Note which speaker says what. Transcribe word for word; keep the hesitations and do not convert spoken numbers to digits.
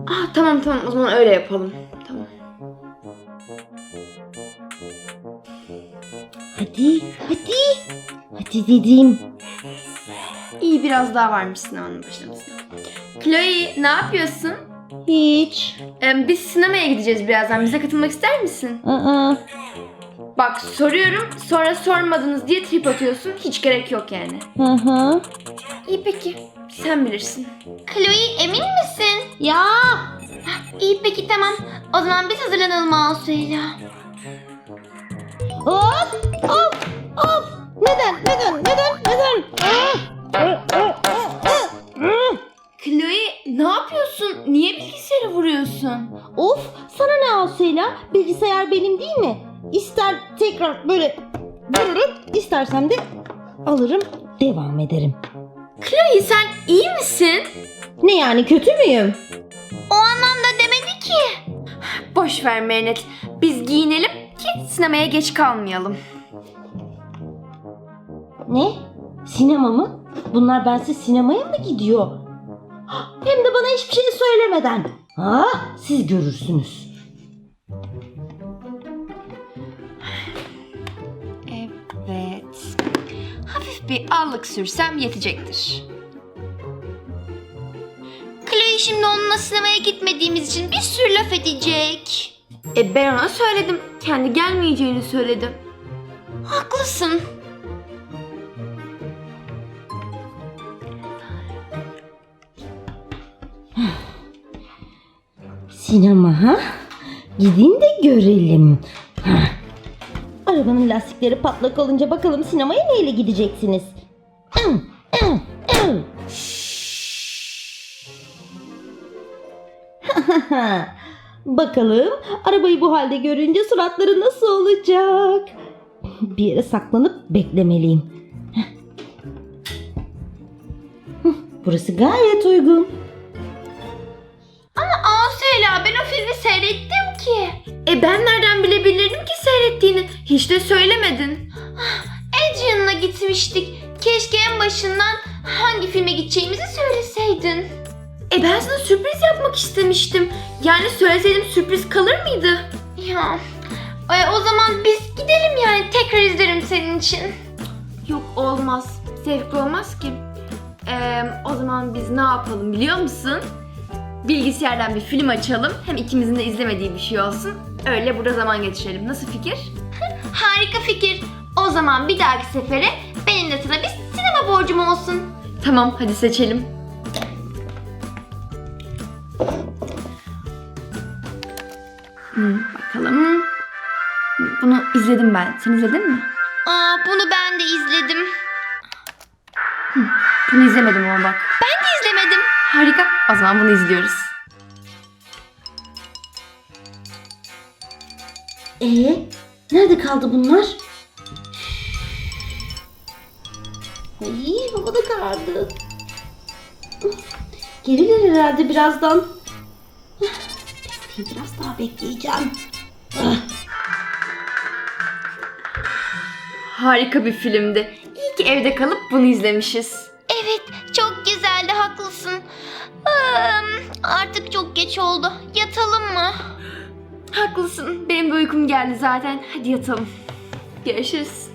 Speaker 1: Ah, tamam tamam, o zaman öyle yapalım. Tamam.
Speaker 2: Hadi, hadi. Hadi dedim.
Speaker 1: İyi, biraz daha varmış sinemanın başlamasına. Chloe, ne yapıyorsun?
Speaker 2: Hiç.
Speaker 1: Ee, biz sinemaya gideceğiz birazdan. Bize katılmak ister misin?
Speaker 2: Aa.
Speaker 1: Bak, soruyorum, sonra sormadınız diye trip atıyorsun. Hiç gerek yok yani.
Speaker 2: Hı hı.
Speaker 1: İyi peki, sen bilirsin. Chloe, emin misin?
Speaker 2: Ya.
Speaker 1: İyi peki, tamam. O zaman biz hazırlanalım Asu'yla.
Speaker 2: Of, of, of. Neden, neden, neden, neden?
Speaker 1: Chloe, ne yapıyorsun? Niye bilgisayarı vuruyorsun?
Speaker 2: Of, sana ne Asıyla? Bilgisayar benim değil mi? İster tekrar böyle vururum, istersem de alırım, devam ederim.
Speaker 1: Chloe, sen iyi misin?
Speaker 2: Ne yani, kötü müyüm?
Speaker 1: O anlamda demedi ki. Boş ver Mehmet. Biz giyinelim ki sinemaya geç kalmayalım.
Speaker 2: Ne? Sinema mı? Bunlar bensiz sinemaya mı gidiyor? Hem de bana hiçbir şey söylemeden. Ha, siz görürsünüz.
Speaker 1: Evet. Hafif bir allık sürsem yetecektir. Chloe şimdi onunla sinemaya gitmediğimiz için bir sürü laf edecek. E ben ona söyledim. Kendi gelmeyeceğini söyledim. Haklısın.
Speaker 2: Sinema ha? Gidin de görelim. Ha. Arabanın lastikleri patlak olunca bakalım sinemaya neyle gideceksiniz? Bakalım arabayı bu halde görünce suratları nasıl olacak? Bir yere saklanıp beklemeliyim. Burası gayet uygun.
Speaker 1: Asela, ben o filmi seyrettim ki. E ben nereden bilebilirdim ki seyrettiğini? Hiç de söylemedin. Adrian'la gitmiştik. Keşke en başından hangi filme gideceğimizi söyleseydin. E ben sana sürpriz yapmak istemiştim. Yani söyleseydim sürpriz kalır mıydı? Ya e, o zaman biz gidelim yani. Tekrar izlerim senin için. Yok, olmaz. Zevkli olmaz ki. E, o zaman biz ne yapalım biliyor musun? Bilgisayardan bir film açalım. Hem ikimizin de izlemediği bir şey olsun. Öyle burada zaman geçirelim. Nasıl fikir? Harika fikir. O zaman bir dahaki sefere benim de sana bir sinema borcum olsun. Tamam, hadi seçelim. Hmm, bakalım. Bunu izledim ben. Sen izledin mi? Aa, bunu ben de izledim. Hı, bunu izlemedim ama bak. Ben de izlemedim. Harika. O zaman bunu izliyoruz.
Speaker 2: Ee, nerede kaldı bunlar? Ay, hava da karardı. Gelirler herhalde birazdan. Bekleyeyim, biraz daha bekleyeceğim.
Speaker 1: Harika bir filmdi. İyi ki evde kalıp bunu izlemişiz. Evet, çok güzeldi, haklısın. Artık çok geç oldu. Yatalım mı? Haklısın. Benim de uykum geldi zaten. Hadi yatalım. Görüşürüz.